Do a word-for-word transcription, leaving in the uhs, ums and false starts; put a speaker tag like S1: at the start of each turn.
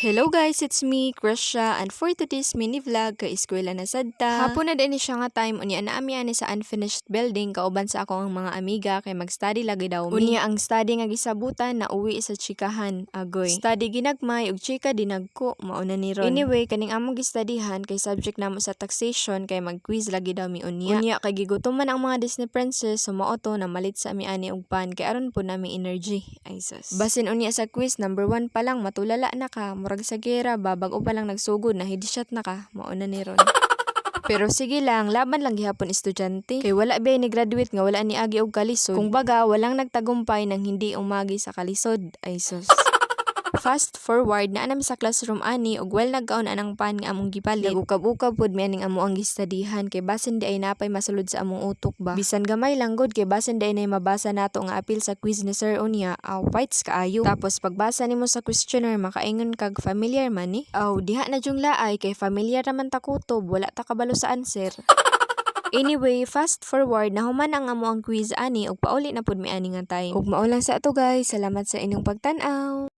S1: Hello guys, it's me, Krisha, and for today's mini vlog, kay eskwela na sadta. Hapon na din siya nga time, unya na ami ani sa unfinished building, kauban sa ako ang mga amiga, kay mag-study lagi daw mi. Unya ang study nga gisabutan, na uwi sa chikahan, agoy. Study ginagmay, ug chika dinagko, mauna ni ron. Anyway, kaning among gistudyhan, kay subject namo sa taxation, kay mag-quiz lagi daw mi unya. Unya, kay gigutom man ang mga Disney princess, sumao to na malit sa ami ani og pan, kay aron po nami energy. Ay sus. Basin unya sa quiz, number one pa lang, matulala na ka, murag sa gera, babag-o pa lang nagsugod na headshot na ka, mauna ni ron. Pero sige lang, laban lang gihapon estudyante. Kay wala ba ni graduate nga wala ni agi og kalisod. Kung baga, walang nagtagumpay nang hindi umagi sa kalisod. Ay sus. Fast forward na anam sa classroom ani ug well nagkaon anang pan nga among gipalit. Nagukab-ukab pod mi aning amo ang gistudyhan kay basin di ay napay masulod sa among utok ba. Bisan gamay lang gud kay basin di ay nay mabasa nato nga apil sa quiz ni Sir unya. Aw, fights kaayo. Tapos pagbasa nimo sa questionnaire makaingon kag familiar man ni. Aw, diha na jung laay kay familiar naman ta kutob, wala ta kabalo sa answer. Anyway, fast forward na human ang amo ang quiz ani ug pauli na pud mi ani nga time. Ug mao lang sa ato guys. Salamat sa inyong pagtan-aw.